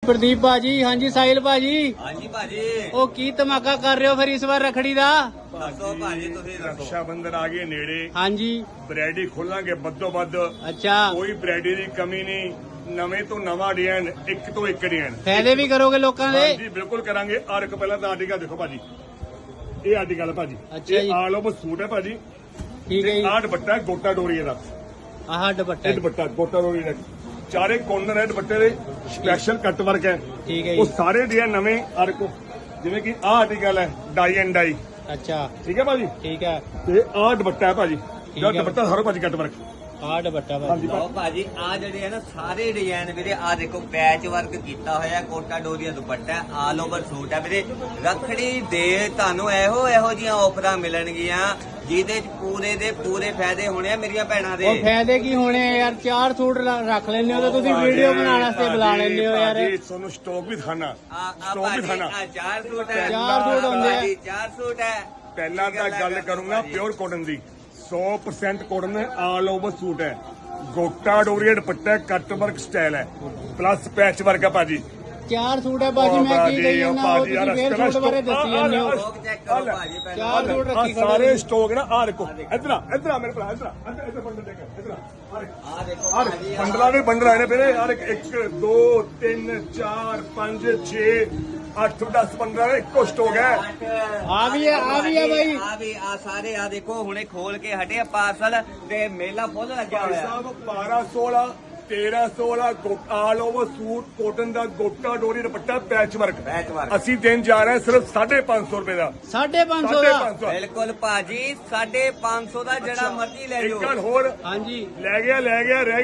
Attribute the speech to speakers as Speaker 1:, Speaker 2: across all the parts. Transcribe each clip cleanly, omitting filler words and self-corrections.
Speaker 1: प्रदीप भाजी, हाँ जी साहिल भाजी।
Speaker 2: हाँ जी भाजी।
Speaker 1: ओ की धमाका कर रहे हो फिर इस बार रखड़ी दा?
Speaker 2: दसो भाजी तुसी दसो।
Speaker 3: रक्षा बंधन आ गए नेड़े।
Speaker 1: हाँ जी।
Speaker 3: वैरायटी खोलांगे बद्दो बद।
Speaker 1: अच्छा,
Speaker 3: कोई वैरायटी की कमी नहीं। नवे तो नवा डिजाइन, एक तो एक डिजाइन।
Speaker 1: फायदे भी करोगे लोगों दे?
Speaker 3: हाँ जी बिल्कुल करांगे। और एक पहला तो आर्टिकल देखो भाजी, ये आर्टिकल है भाजी।
Speaker 1: अच्छा जी।
Speaker 3: आल ओवर सूट है भाजी।
Speaker 1: ठीक है जी।
Speaker 3: आठ दुपट्टा है गोटा डोरी का।
Speaker 1: आह दुपट्टा।
Speaker 3: ਇਹ ਦੁਪੱਟਾ ਗੋਟਾ ਰੋੜੀ ਦਾ ਚਾਰੇ ਕੋਰਨਰ ਹੈ ਦੁਪੱਟੇ ਦੇ, ਸਪੈਸ਼ਲ ਕੱਟ ਵਰਕ ਹੈ।
Speaker 1: ਠੀਕ ਹੈ
Speaker 3: ਉਹ
Speaker 1: ਜੀ।
Speaker 3: ਸਾਰੇ ਡਿਜ਼ਾਈਨ ਨਵੇਂ ਔਰ ਕੋ ਜਿਵੇਂ ਕਿ ਆਹ ਆਰਟੀਕਲ ਹੈ ਡਾਈ ਐਂਡ ਡਾਈ,
Speaker 1: अच्छा
Speaker 3: ਠੀਕ ਹੈ ਭਾਜੀ।
Speaker 1: ठीक है।
Speaker 3: ਤੇ ਆਹ ਦੁਪੱਟਾ ਹੈ ਭਾਜੀ,
Speaker 1: ਠੀਕ
Speaker 3: ਜਿਹੜਾ
Speaker 1: ਹੈ।
Speaker 3: ਦੁਪੱਟਾ ਸਾਰਾ ਭਾਜੀ ਕੱਟ ਵਰਕ।
Speaker 1: आह दुपट्टा भाजी।
Speaker 3: ਹਾਂਜੀ
Speaker 2: ਲਓ ਭਾਜੀ ਆ ਜਿਹੜੇ ਹੈ ਨਾ ਸਾਰੇ ਡਿਜ਼ਾਈਨ ਵੀਰੇ ਆ ਦੇਖੋ ਪੈਚ ਵਰਕ ਕੀਤਾ ਹੋਇਆ Kota Doria dupatta all over suit ਹੈ ਵੀਰੇ। ਰੱਖੜੀ ਦੇ ਤੁਹਾਨੂੰ ਇਹੋ ਜੀਆਂ ਆਫਰਾਂ ਮਿਲਣਗੀਆਂ ਜਿਹਦੇ ਚ ਪੂਰੇ ਦੇ ਪੂਰੇ ਫਾਇਦੇ ਹੋਣੇ ਆ ਮੇਰੀਆਂ ਭੈਣਾਂ ਦੇ।
Speaker 1: और फायदे की होने हैं यार, 4 सूट रख लेने हो तो तुसी वीडियो बनाने वास्ते बुला लेने हो यार।
Speaker 3: ਭਾਜੀ ਤੁਹਾਨੂੰ ਸਟਾਕ ਵੀ ਦਿਖਾਣਾ,
Speaker 2: ਆ
Speaker 3: ਸਟਾਕ ਵੀ
Speaker 2: ਭਾਜੀ
Speaker 3: ਦਿਖਾਣਾ।
Speaker 2: ਆ 4 ਸੂਟ ਹੈ।
Speaker 1: ਚਾਰ ਸੂਟ ਹੁੰਦੇ ਆ।
Speaker 2: ਭਾਜੀ 4 ਸੂਟ ਹੈ।
Speaker 3: ਪਹਿਲਾਂ ਤਾਂ ਗੱਲ ਕਰੂੰਗਾ ਪਿਓਰ ਕਾਟਨ ਦੀ। 100% ਕਾਟਨ ਹੈ, ਆਲ ਓਵਰ ਸੂਟ ਹੈ, ਗੋਟਾ doria dupatta, cut work style ਹੈ, ਪਲੱਸ ਪੈਚ ਵਰਕ ਹੈ ਭਾਜੀ।
Speaker 1: 4 सूट है भाजी, मैं की गई हूं ना, वो तुसी फिर सूट बारे दसी जांदे हो।
Speaker 2: ਲੋਕ ਚੈੱਕ ਕਰੋ ਭਾਜੀ ਪਹਿਲਾਂ।
Speaker 1: 4 सूट
Speaker 3: ਆਹ
Speaker 1: रखी
Speaker 3: ਸਾਰੇ
Speaker 1: खड़े।
Speaker 3: ਸਟਾਕ ਨਾ ਆ ਦੇਖੋ, ਇਧਰ ਆ ਮੇਰੇ ਭਰਾ, ਇਧਰ ਬੰਡਲ ਦੇਖ, ਇਧਰ
Speaker 2: ਆ ਦੇਖੋ
Speaker 3: ਆਹ
Speaker 2: ਭਾਜੀ
Speaker 3: ਬੰਡਲਾਂ ਦੇ ਬੰਡਲ ਆਏ ਨੇ ਵੀਰੇ। ਯਾਰ 1 2 3 4 5 6 8 10 15 ਇੱਕੋ ਸਟਾਕ ਹੈ।
Speaker 1: आ भी है भाई।
Speaker 2: ਆ ਵੀ ਆ ਸਾਰੇ ਆ ਦੇਖੋ ਹੁਣੇ ਖੋਲ ਕੇ ਹਟੇ ਪਾਰਸਲ ਤੇ ਮੇਲਾ ਫੁੱਲ ਲੱਗਿਆ
Speaker 3: ਭਾਈ
Speaker 2: ਹੋਇਆ।
Speaker 3: ਸਾਹਿਬ 1216 1316 ਆਲ ਓਵਰ ਸੂਟ ਕਾਟਨ ਦਾ gota dori dupatta patch work.
Speaker 2: Patch work.
Speaker 3: ਅਸੀਂ ਦੇਣ ਜਾ ਰਹੇ ਹਾਂ ਸਿਰਫ 550 ਰੁਪਏ ਦਾ।
Speaker 1: 550 ਦਾ।
Speaker 3: 550।
Speaker 2: ਬਿਲਕੁਲ ਭਾਜੀ 550 ਦਾ ਜਿਹੜਾ ਮਰਜ਼ੀ ਲੈ
Speaker 3: ਇੱਕ
Speaker 2: ਜਾਓ।
Speaker 3: ਗੱਲ ਹੋਰ,
Speaker 1: हाँ जी।
Speaker 3: ਰਹਿ ਗਿਆ
Speaker 2: ਰਹਿ ਗਿਆ।
Speaker 3: ਰਹਿ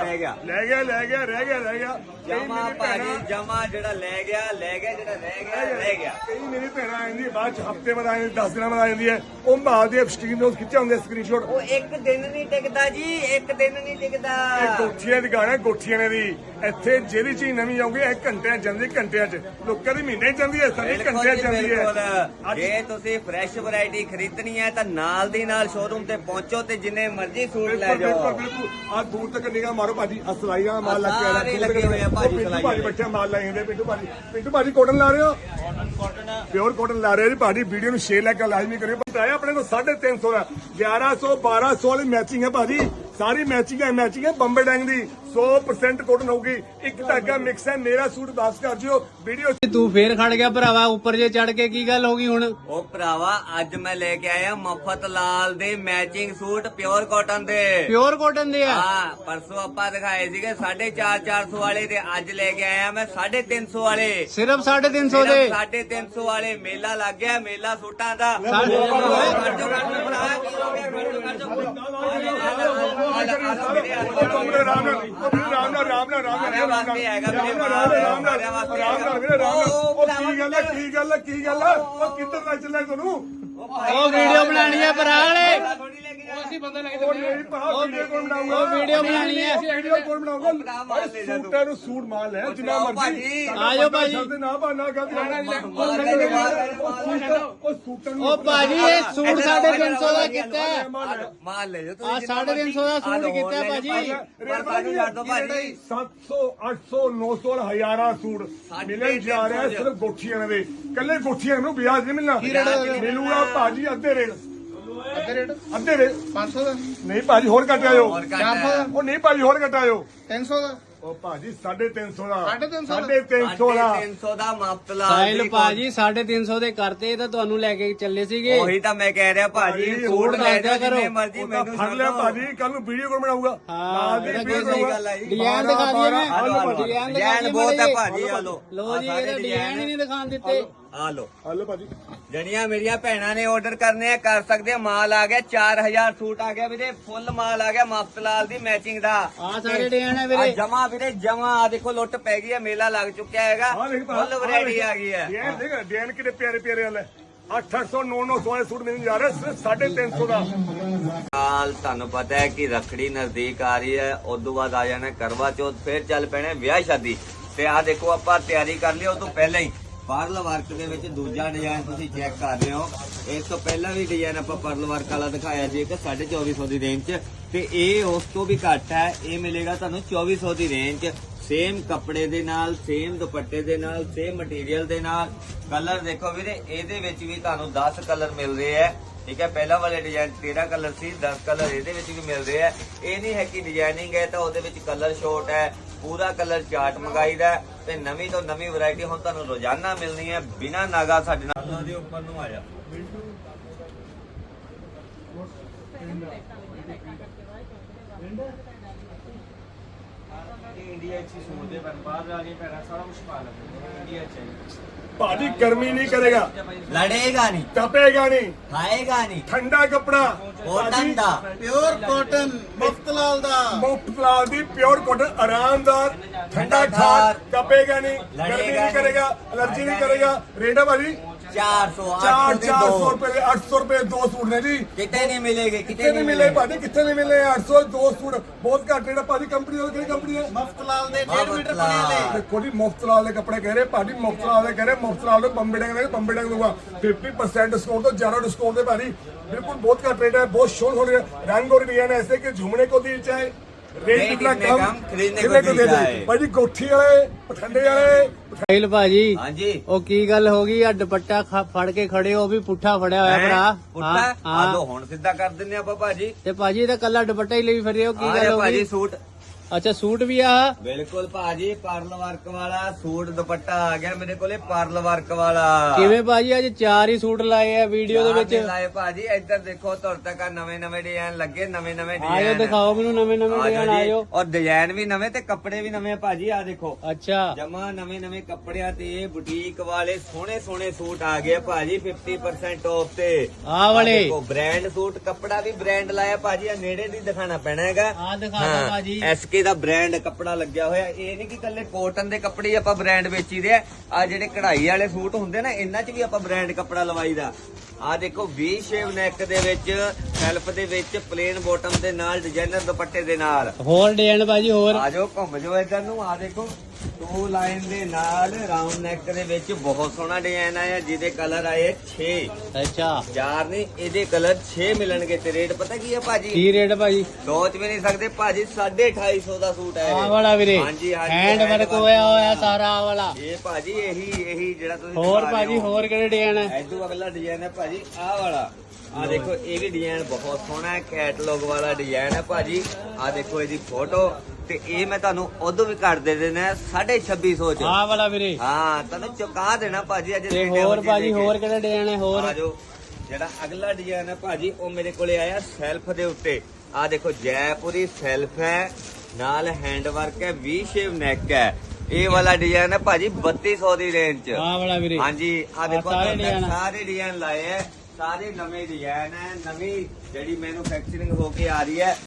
Speaker 3: ਗਿਆ
Speaker 2: ਜਮਾ ਭਾਜੀ ਜਮਾ ਜਿਹੜਾ ਲੈ ਗਿਆ ਰਹਿ ਗਿਆ।
Speaker 3: ਕਈ ਮੇਰੀ ਭੈਣਾਂ ਆਉਂਦੀ ਬਾਅਦ ਚ ਹਫਤੇ ਬਾਅਦ ਆਉਂਦੀ, 10 ਦਿਨਾਂ ਬਾਅਦ ਆਉਂਦੀ ਹੈ, ਉਹ ਮਾਲ ਦੇ ਸਕਰੀਨ ਤੋਂ ਖਿੱਚੇ ਹੁੰਦੇ ਸਕਰੀਨਸ਼ਾਟ।
Speaker 2: ਉਹ ਇੱਕ ਦਿਨ ਨਹੀਂ ਟਿਕਦਾ ਜੀ, ਇੱਕ ਦਿਨ ਨਹੀਂ ਟਿਕਦਾ।
Speaker 3: ਇਹ ਗੋਠੀਆਂ ਦੀ ਗਾਣਾ, ਗੋਠੀਆਂ ਨੇ ਦੀ ਇੱਥੇ ਜਿਹੜੀ ਚੀਜ਼ ਨਵੀਂ ਆਉਂਗੀ ਇਹ ਘੰਟਿਆਂ ਚ ਜਾਂਦੀ, ਘੰਟਿਆਂ ਚ। ਲੋਕਾਂ ਦੀ ਮਹੀਨੇ ਚ ਜਾਂਦੀ ਹੈ, ਸਾਡੀ ਘੰਟਿਆਂ ਚ ਜਾਂਦੀ ਹੈ। ਅੱਜ
Speaker 2: ਜੇ ਤੁਸੀਂ ਫਰੈਸ਼ ਵੈਰਾਈਟੀ ਖਰੀਦਣੀ ਹੈ ਤਾਂ ਨਾਲ ਦੀ ਨਾਲ ਸ਼ੋਰੂਮ ਤੇ ਪਹੁੰਚੋ ਤੇ ਜਿੰਨੇ ਮਰਜ਼ੀ ਸੂਟ ਲੈ ਜਾਓ।
Speaker 3: ਬਿਲਕੁਲ ਆ ਦੂਰ ਤੱਕ ਨਿਗਾਹ ਮਾਰੋ ਭਾਜੀ, ਆ ਸਲਾਈਆਂ ਦਾ ਮਾਲ ਲੱਗ
Speaker 2: ਸਾਰੇ ਲੱਗੇ ਹੋਏ ਆ ਭਾਜੀ,
Speaker 3: ਪਿੰਟੂ ਭਾਜੀ ਬੱਚੇ ਮਾਲ ਲਾਏ ਹੁੰਦੇ। ਪਿੰਟੂ ਭਾਜੀ ਕਾਟਨ ਲਾ ਰਹੇ ਹੋ? ਪਿਓਰ ਕਾਟਨ ਲਾ ਰਹੇ ਹੋ ਜੀ ਭਾਜੀ। ਵੀਡੀਓ ਨੂੰ ਸ਼ੇਅਰ ਲਾਈਕ ਲਾਜ਼ਮੀ ਕਰਿਓ। ਪਤਾ ਆਪਣੇ ਕੋਲ 350 ਦਾ 1100 1200 ਵਾਲੀ ਮੈਚਿੰਗ ਹੈ ਭਾਜੀ। ਸਾਰੀ ਮੈਚਿੰਗ ਹੈ ਬੰਬੇ ਡੈਂਗ ਦੀ। 100% ਕਾਟਨ ਹੋਊਗੀ। ਇੱਕ ਧਾਗਾ ਮਿਕਸ ਹੈ। ਮੇਰਾ ਸੂਟ ਵਾਪਸ ਕਰ ਜਿਓ। ਵੀਡੀਓ
Speaker 1: तू फिर खड़ गया भरावा ऊपर जे चढ़ के, की गल होगी हुण?
Speaker 2: ਉਹ ਭਰਾਵਾ ਅੱਜ ਮੈਂ ਲੈ ਕੇ ਆਇਆ ਮਫਤ ਲਾਲ ਦੇ ਮੈਚਿੰਗ ਸੂਟ ਪਿਓਰ ਕਾਟਨ ਦੇ।
Speaker 1: प्योर कॉटन दे है।
Speaker 2: ਹਾਂ ਪਰਸੋਂ ਆਪਾਂ ਦਿਖਾਏ ਸੀਗੇ 450 ਵਾਲੇ ਤੇ ਅੱਜ ਲੈ ਕੇ ਆਇਆ ਮੈਂ 350 ਵਾਲੇ।
Speaker 1: सिर्फ 350 दे।
Speaker 2: 350 ਵਾਲੇ ਮੇਲਾ ਲੱਗ ਗਿਆ, ਮੇਲਾ ਸੂਟਾਂ ਦਾ।
Speaker 1: साढ़े-
Speaker 3: ਕੀ ਗੱਲ ਹੈ? ਉਹ ਕਿੱਧਰ ਲੈ ਚੱਲਿਆ ਤੁਹਾਨੂੰ?
Speaker 1: ओ वीडियो बनानी है भरा वाले।
Speaker 3: ਉਹ
Speaker 1: ਵੀਡੀਓ ਬਣਾਉਣੀ ਹੈ।
Speaker 3: ਵੀਡੀਓ ਕੋਲ ਬਣਾਉਂਗਾ ਭਾਈ। ਸੂਟਾਂ ਨੂੰ ਸੂਟ ਮਾਲ ਲੈ ਜਿੰਨਾ ਮਰਜ਼ੀ।
Speaker 1: ਆਜੋ ਭਾਜੀ।
Speaker 3: ਨਾ ਬਾਨਾ ਗੱਲ ਉਹ ਸੂਟਾਂ ਨੂੰ
Speaker 1: ओ भाजी ये सूट 350 ਦਾ ਕੀਤਾ ਹੈ।
Speaker 2: ਮਾਲ ਲੈ ਜਾਓ
Speaker 1: ਆ 350 ਦਾ ਸੂਟ ਕੀਤਾ ਹੈ ਭਾਜੀ।
Speaker 2: ਭਾਜੀ ਛੱਡ ਦੋ ਭਾਜੀ।
Speaker 3: 700 800 900 ਹਜ਼ਾਰਾਂ ਸੂਟ ਮਿਲਣ ਜਾ ਰਿਹਾ ਸਿਰਫ ਗੋਠੀਆਂ ਦੇ। ਕੱਲੇ ਗੋਠੀਆਂ ਨੂੰ ਵਿਆਜ ਨਹੀਂ ਮਿਲਣਾ। ਮਿਲੂਗਾ ਭਾਜੀ ਅੱਧੇ ਰੇਟ
Speaker 1: 500 ਦਾ।
Speaker 3: ਨਹੀਂ ਭਾਜੀ ਹੋਰ ਘੱਟ ਆਇਓ।
Speaker 2: ਹੋਰ ਘੱਟ ਹੈ।
Speaker 3: ਉਹ ਨਹੀਂ ਭਾਜੀ ਹੋਰ ਘੱਟ ਆਇਓ।
Speaker 1: 300 ਦਾ।
Speaker 3: ਉਹ ਭਾਜੀ 350 ਦਾ।
Speaker 1: 350
Speaker 3: ਦਾ
Speaker 2: 350 ਦਾ ਮੁਫਤ ਲਾਲ
Speaker 1: ਸਾਹਿਲ
Speaker 2: ਦੀ
Speaker 1: ਭਾਜੀ 350 ਦੇ ਕਰਤੇ ਤਾਂ ਤੁਹਾਨੂੰ ਲੈ ਕੇ ਚੱਲੇ ਸੀਗੇ।
Speaker 2: ਉਹੀ ਤਾਂ ਮੈਂ ਕਹਿ ਰਿਹਾ ਭਾਜੀ
Speaker 3: ਭਾਜੀ,
Speaker 2: ਸੂਟ
Speaker 1: ਹੋਰ
Speaker 2: ਲੈ
Speaker 1: ਲੈ
Speaker 2: ਜਾਓ
Speaker 1: ਕਰੋ।
Speaker 2: ਜਿੰਨੇ ਮਰਜ਼ੀ
Speaker 3: ਉਹ ਤਾਂ
Speaker 2: ਮੈਨੂੰ
Speaker 3: ਫੜ ਲਿਆ ਭਾਜੀ। ਕੱਲ ਨੂੰ ਵੀਡੀਓ ਕੋਲ ਬਣਾਊਗਾ।
Speaker 1: ਹਾਂ,
Speaker 3: ਦੀ
Speaker 1: ਇਹਦਾ
Speaker 3: ਵੀਡੀਓ
Speaker 1: ਕੋਈ
Speaker 2: ਗੱਲ ਆਈ।
Speaker 1: ਡਿਜ਼ਾਈਨ ਦਿਖਾ ਦਈਏ ਮੈਂ।
Speaker 2: ਡਿਜ਼ਾਈਨ
Speaker 1: ਦਿਖਾ
Speaker 2: ਬਹੁਤ ਹੈ
Speaker 1: ਦਈਏ
Speaker 2: ਭਾਜੀ। ਆ ਲੋ
Speaker 1: ਲੋ ਜੀ, ਇਹਦਾ ਡਿਜ਼ਾਈਨ ਹੀ ਨਹੀਂ ਦਿਖਾਣ ਦਿੱਤੇ।
Speaker 2: ਆ ਲੋ
Speaker 3: ਹਲੋ ਭਾਜੀ।
Speaker 2: ਜਿਹੜੀਆਂ ਮੇਰੀਆਂ ਭੈਣਾਂ ਨੇ ਆਰਡਰ ਕਰਨੇ ਆ ਕਰ ਸਕਦੇ ਆ। ਮਾਲ ਆ ਗਿਆ 4000 ਸੂਟ ਆ ਗਿਆ ਵੀਰੇ। ਫੁੱਲ ਮਾਲ ਆ ਗਿਆ ਮੁਫਤ ਲਾਲ ਦੀ ਮੈਚਿੰਗ ਦਾ।
Speaker 1: ਆ ਸਾਰੇ ਡਿਜ਼ਾਈਨ ਹੈ
Speaker 2: ਆ
Speaker 1: ਵੀਰੇ।
Speaker 2: ਜਮਾ ਵੀਰੇ ਜਮਾ ਆ ਦੇਖੋ ਲੁੱਟ ਪੈ ਗਈ ਹੈ। ਮੇਲਾ ਲੱਗ ਚੁੱਕਿਆ ਹੈਗਾ। ਫੁੱਲ ਵੈਰਾਈਟੀ ਆ ਗਈ ਹੈ।
Speaker 3: ਡਿਜ਼ਾਈਨ ਕਿਤੇ ਪਿਆਰੇ ਪਿਆਰੇ ਵਾਲੇ 800 900 ਵਾਲੇ ਸੂਟ ਮਿਲਣ ਜਾ ਰਹੇ ਸਿਰਫ 350 ਦਾ।
Speaker 2: ਹਾਲ ਤੁਹਾਨੂੰ ਪਤਾ ਹੈ ਕਿ ਰੱਖੜੀ ਨਜ਼ਦੀਕ ਆ ਰਹੀ ਹੈ। ਉਦੋਂ ਬਾਅਦ ਆ ਜਾਣਾ ਕਰਵਾ ਚੌਥ, ਫਿਰ ਚੱਲ ਪੈਣੇ ਵਿਆਹ ਸ਼ਾਦੀ। ਤੇ ਆ ਦੇਖੋ ਆਪਾਂ ਤਿਆਰੀ ਕਰ ਲਈ ਉਹ ਤੋਂ ਪਹਿਲਾਂ ਹੀ। ਪਰਲ ਵਰਕ ਦੇ ਵਿੱਚ ਦੂਜਾ ਡਿਜ਼ਾਈਨ ਤੁਸੀਂ ਚੈੱਕ ਕਰ ਰਹੇ ਹੋ। ਇਸ ਤੋਂ ਪਹਿਲਾਂ ਵੀ ਡਿਜ਼ਾਈਨ ਆਪਾਂ ਪਰਲ ਵਰਕ ਵਾਲਾ ਦਿਖਾਇਆ ਸੀ ਇੱਕ 2450 ਦੀ ਰੇਂਜ 'ਚ, ਤੇ ਇਹ ਉਸ ਤੋਂ ਵੀ ਘੱਟ ਹੈ। ਇਹ ਮਿਲੇਗਾ ਤੁਹਾਨੂੰ 2400 ਦੀ ਰੇਂਜ 'ਚ। ਸੇਮ ਕੱਪੜੇ ਦੇ ਨਾਲ, ਸੇਮ ਦੁਪੱਟੇ ਦੇ ਨਾਲ, ਸੇਮ ਮਟੀਰੀਅਲ ਦੇ ਨਾਲ। ਕਲਰ ਦੇਖੋ ਵੀਰੇ, ਇਹਦੇ ਵਿੱਚ ਵੀ ਤੁਹਾਨੂੰ 10 ਕਲਰ ਮਿਲ ਰਹੇ ਹੈ। ਠੀਕ ਹੈ, ਪਹਿਲਾਂ ਵਾਲੇ ਡਿਜ਼ਾਈਨ 13 ਕਲਰ ਸੀ, 10 ਕਲਰ ਇਹਦੇ ਵਿੱਚ ਵੀ ਮਿਲ ਰਹੇ ਹੈ। ਇਹ ਨਹੀਂ ਹੈ ਕਿ ਡਿਜ਼ਾਈਨਿੰਗ ਹੈ ਤਾਂ ਉਹਦੇ ਵਿੱਚ ਕਲਰ ਸ਼ੋਰਟ ਹੈ, ਪੂਰਾ ਕਲਰ ਚਾਰਟ ਮੰਗਾਈਦਾ ਤੇ ਨਵੀਂ ਤੋਂ ਨਵੀਂ ਵੈਰਾਈਟੀ ਹੁਣ ਤੁਹਾਨੂੰ ਰੋਜ਼ਾਨਾ ਮਿਲਣੀ ਹੈ ਬਿਨਾ ਨਾਗਾ। ਸਾਡੇ ਨਾਲ ਦੇ ਉੱਪਰ ਨੂੰ ਆ ਜਾ।
Speaker 4: ਇੰਡੀਆ 'ਚ ਹੀ ਸੋਚਦੇ ਪਰ ਬਾਹਰ ਜਾ ਕੇ ਪੈਣਾ ਸਾਰਾ ਕੁਝ ਪਾ ਲੈਂਦੇ ਇੰਡੀਆ 'ਚ ਹੀ।
Speaker 3: ਭਾਜੀ ਗਰਮੀ ਨਹੀਂ ਕਰੇਗਾ,
Speaker 2: ਲੜੇਗਾ ਨਹੀਂ,
Speaker 3: ਤਪੇਗਾ ਨਹੀਂ,
Speaker 2: ਖਾਏਗਾ ਨਹੀਂ,
Speaker 3: ਠੰਡਾ ਕੱਪੜਾ
Speaker 2: ਕੋਟਨ ਦਾ,
Speaker 5: ਪਿਓਰ ਕਾਟਨ ਮੁਫਤ ਲਾਲ ਦਾ।
Speaker 3: ਮੁਫਤ ਲਾਲ ਦੀ ਪਿਓਰ ਕਾਟਨ, ਆਰਾਮਦਾਰ, ਠੰਡਾ ਖਾਣ, ਤਪੇਗਾ ਨਹੀਂ, ਗਰਮੀ ਨਹੀਂ ਕਰੇਗਾ, ਐਲਰਜੀ ਨਹੀਂ ਕਰੇਗਾ। ਰੇਟ ਹੈ ਭਾਜੀ
Speaker 2: 400
Speaker 3: 400 ਰੁਪਏ ਦੇ 800 ਰੁਪਏ 2 ਸੂਟ ਨੇ ਜੀ।
Speaker 2: ਕਿਤੇ ਨਹੀਂ ਮਿਲੇਗੇ,
Speaker 3: ਕਿੱਥੇ ਨਹੀਂ ਮਿਲੇ ਭਾਜੀ, ਕਿੱਥੇ ਨਹੀਂ ਮਿਲੇ 800 2 ਸੂਟ ਬਹੁਤ ਘੱਟ ਰੇਟ ਹੈ ਭਾਜੀ। ਕੰਪਨੀ ਉਹ ਕਿਹੜੀ ਕੰਪਨੀ ਹੈ?
Speaker 5: ਮੁਫਤ ਲਾਲ ਦੇ 1.5 ਮੀਟਰ ਬਣੇ ਨੇ।
Speaker 3: ਦੇਖੋ ਜੀ ਮੁਫਤ ਲਾਲ ਦੇ ਕੱਪੜੇ ਕਹਿ ਰਹੇ ਭਾਜੀ, ਮੁਫਤ ਲਾਲ ਦੇ ਕਹਿ ਰਹੇ, ਮੁਫਤ ਲਾਲ ਦੇ ਬੰਬੇ ਡੰਗ ਦੇ ਬੰਬੇ ਡੰਗ ਦੂਗਾ 50% ਡਿਸਕਾउंट ਤੋਂ ਜ਼ਿਆਦਾ ਡਿਸਕਾउंट ਦੇ ਭਾਜੀ। बिल्कुल बहुत का रेट है, बहुत शोर हो रहा है। रंग और डिजाइन ऐसे कि झूमने को दिल चाहे, रेट कितना कम
Speaker 2: खरीदने
Speaker 3: कितने
Speaker 2: को
Speaker 3: को दे
Speaker 2: दिल
Speaker 3: दे
Speaker 2: चाहे।
Speaker 3: भाजी। गोठी वाले, पठंडे वाले,
Speaker 1: ਸਾਹਿਲ ਭਾਜੀ
Speaker 2: ਹਾਂਜੀ
Speaker 1: ਉਹ ਕੀ ਗੱਲ ਹੋ ਗਈ ਆ ਦੁਪੱਟਾ ਫੜ ਕੇ ਖੜੇ ਹੋ ਵੀ ਪੁੱਠਾ ਫੜਿਆ ਹੋਇਆ ਭਰਾ।
Speaker 2: ਪੁੱਠਾ ਆ ਦੋ ਹੁਣ ਸਿੱਧਾ ਕਰ ਦਿੰਨੇ ਆਪਾਂ ਭਾਜੀ।
Speaker 1: ਤੇ ਭਾਜੀ ਇਹਦਾ ਕੱਲਾ ਦੁਪੱਟਾ ਹੀ ਲਈ ਫਿਰ ਰਹੇ ਹੋ, ਕੀ
Speaker 2: ਆ
Speaker 1: ਗੱਲ
Speaker 2: ਜਾ
Speaker 1: ਹੋ
Speaker 2: ਭਾਜੀ
Speaker 1: ਗਈ?
Speaker 2: ਸੂਟ,
Speaker 1: ਅੱਛਾ ਸੂਟ ਵੀ ਆ।
Speaker 2: ਬਿਲਕੁਲ ਭਾਜੀ ਪਰਲ ਵਰਕ ਵਾਲਾ ਸੂਟ ਦੁਪੱਟਾ ਆ ਗਿਆ ਮੇਰੇ ਕੋਲੇ, ਪਰਲ ਵਰਕ ਵਾਲਾ।
Speaker 1: ਕਿਵੇਂ ਭਾਜੀ ਅੱਜ 4 ਹੀ ਸੂਟ ਲਾਏ ਆ ਵੀਡੀਓ ਦੇ ਵਿੱਚ।
Speaker 2: ਲਾਏ ਭਾਜੀ, ਇੱਧਰ ਦੇਖੋ ਤੁਹਾਡੇ ਤੱਕ ਨਵੇਂ ਨਵੇਂ ਡਿਜ਼ਾਈਨ ਲੱਗੇ, ਨਵੇਂ ਨਵੇਂ
Speaker 1: ਆਇਓ
Speaker 2: ਡਿਜ਼ਾਈਨ
Speaker 1: ਦਿਖਾਓ ਮੈਨੂੰ ਨਵੇਂ ਨਵੇਂ ਡਿਜ਼ਾਈਨ ਆਇਓ।
Speaker 2: ਔਰ ਡਿਜ਼ਾਈਨ ਵੀ ਨਵੇਂ ਤੇ ਕੱਪੜੇ ਵੀ ਨਵੇਂ ਭਾਜੀ। ਆ ਦੇਖੋ
Speaker 1: ਅੱਛਾ
Speaker 2: ਜਮਾ ਨਵੇਂ ਨਵੇਂ ਕੱਪੜਿਆਂ ਤੇ ਬੁਟੀਕ ਵਾਲੇ ਸੋਹਣੇ ਸੋਹਣੇ ਸੂਟ ਆ ਗਏ ਭਾਜੀ 50% ਆਫ ਤੇ।
Speaker 1: ਆਹ ਵਾਲੇ
Speaker 2: ਦੇਖੋ ਬ੍ਰਾਂਡ ਸੂਟ, ਕੱਪੜਾ ਵੀ ਬ੍ਰਾਂਡ ਲਾਇਆ ਭਾਜੀ। ਆ ਨੇੜੇ ਦੀ ਦਿਖਾਣਾ ਪੈਣਾ ਹੈਗਾ।
Speaker 1: ਆ ਦਿਖਾ ਦਿਓ ਭਾਜੀ।
Speaker 2: ਐਸਕੇ ਦਾ ਬ੍ਰਾਂਡ ਕੱਪੜਾ ਲੱਗਿਆ ਹੋਇਆ। ਇਹ ਨਹੀਂ ਕਿ ਕੱਲੇ ਕੋਟਨ ਦੇ ਕੱਪੜੇ ਆਪਾਂ ਬ੍ਰਾਂਡ ਵੇਚੀਦੇ ਆ ਜਿਹੜੇ ਕਢਾਈ ਵਾਲੇ ਸੂਟ ਹੁੰਦੇ ਨਾ, ਇਹਨਾਂ 'ਚ ਵੀ ਆਪਾਂ ਬ੍ਰਾਂਡ ਕੱਪੜਾ ਲਵਾਈਦਾ। ਆ ਦੇਖੋ ਵੀ ਸ਼ੇਵ ਨੈਕ ਦੇ ਵਿੱਚ, ਸੈਲਫ ਦੇ ਵਿੱਚ, ਪਲੇਨ ਬਾਟਮ ਦੇ ਨਾਲ, ਡਿਜ਼ਾਈਨਰ ਦੁਪੱਟੇ ਦੇ ਨਾਲ।
Speaker 1: ਹੋਰ ਡਿਜ਼ਾਈਨ ਭਾਜੀ ਹੋਰ।
Speaker 2: ਆ ਜਾਓ ਘੁੰਮ ਜਾਓ ਇੱਧਰ ਨੂੰ। ਆ ਦੇਖੋ 2 ਲਾਈਨ ਦੇ ਨਾਲ ਰਾਉਂਡ ਨੈਕ ਦੇ ਵਿੱਚ ਬਹੁਤ ਸੋਹਣਾ ਡਿਜ਼ਾਈਨ ਆਇਆ, ਜਿਹਦੇ ਕਲਰ ਆਏ 6।
Speaker 1: ਅੱਛਾ
Speaker 2: 4 ਨਹੀਂ, ਇਹਦੇ ਕਲਰ 6 ਮਿਲਣਗੇ। ਤੇ ਰੇਟ ਪਤਾ ਕੀ ਹੈ ਭਾਜੀ?
Speaker 1: ਕੀ ਰੇਟ ਭਾਜੀ?
Speaker 2: ਸੋਚ ਵੀ ਨਹੀਂ ਸਕਦੇ ਭਾਜੀ, 250 ਦਾ ਸੂਟ ਹੈ
Speaker 1: ਆਹ ਵਾਲਾ ਵੀਰੇ
Speaker 2: ਹਾਂਜੀ ਹਾਂਜੀ,
Speaker 1: ਹੈਂਡ ਵਰਕ ਹੋਇਆ ਹੋਇਆ ਸਾਰਾ ਆਹ ਵਾਲਾ।
Speaker 2: ਇਹ ਭਾਜੀ ਇਹੀ ਜਿਹੜਾ ਤੁਸੀਂ
Speaker 1: ਹੋਰ
Speaker 2: ਦਿਖਾ ਰਹੇ
Speaker 1: ਭਾਜੀ
Speaker 2: ਹੋ।
Speaker 1: ਹੋਰ ਕਿਹੜੇ ਡਿਜ਼ਾਈਨ ਹੈ?
Speaker 2: ਐਦੂ ਅਗਲਾ ਡਿਜ਼ਾਈਨ ਹੈ ਭਾਜੀ ਆਹ ਵਾਲਾ। ਆ ਦੇਖੋ ਇਹ ਵੀ ਡਿਜ਼ਾਈਨ ਬਹੁਤ ਸੋਹਣਾ ਹੈ, ਕੈਟਲੌਗ ਵਾਲਾ ਡਿਜ਼ਾਈਨ ਹੈ ਭਾਜੀ। ਆ ਦੇਖੋ ਇਹਦੀ ਫੋਟੋ। ਤੇ ਇਹ ਮੈਂ ਤੁਹਾਨੂੰ ਉਦੋਂ ਵੀ ਕੱਢ ਦੇ ਦੇਣਾ 2650 ਚ।
Speaker 1: ਆਹ ਵਾਲਾ ਵੀਰੇ।
Speaker 2: ਹਾਂ ਤੁਹਾਨੂੰ ਚੁਕਾ ਦੇਣਾ ਭਾਜੀ ਅੱਜ।
Speaker 1: ਤੇ ਹੋਰ ਭਾਜੀ ਹੋਰ ਕਿਹੜੇ ਡਿਜ਼ਾਈਨ ਹੈ ਹੋਰ?
Speaker 2: ਆ ਜਾਓ ਜਿਹੜਾ ਅਗਲਾ ਡਿਜ਼ਾਈਨ ਹੈ ਭਾਜੀ, ਉਹ ਮੇਰੇ ਕੋਲੇ ਆਇਆ ਸੈਲਫ ਦੇ ਉੱਤੇ। ਆ ਦੇਖੋ ਜੈਪੁਰੀ ਸੈਲਫ ਹੈ, ਨਾਲ ਹੈਂਡ ਵਰਕ ਹੈ, ਵੀ ਸ਼ੇਵ ਨੈਕ ਹੈ। ਇਹ ਵਾਲਾ ਡਿਜ਼ਾਈਨ ਹੈ ਭਾਜੀ 3200 ਦੀ ਰੇਂਜ ਚ।
Speaker 1: ਆਹ ਵਾਲਾ ਵੀਰੇ।
Speaker 2: ਹਾਂਜੀ ਆ ਦੇਖੋ
Speaker 1: ਸਾਰੇ
Speaker 2: ਤੁਹਾਡੇ
Speaker 1: design।
Speaker 2: ਸਾਰੇ ਡਿਜ਼ਾਈਨ ਲਾਏ ਹੈ, ਸਾਰੇ ਨਵੇਂ ਡਿਜ਼ਾਈਨ ਹੈ, ਨਵੀਂ ਜਿਹੜੀ ਮੈਨੂਫੈਕਚਰਿੰਗ ਹੋ ਕੇ ਆ ਰਹੀ ਹੈ।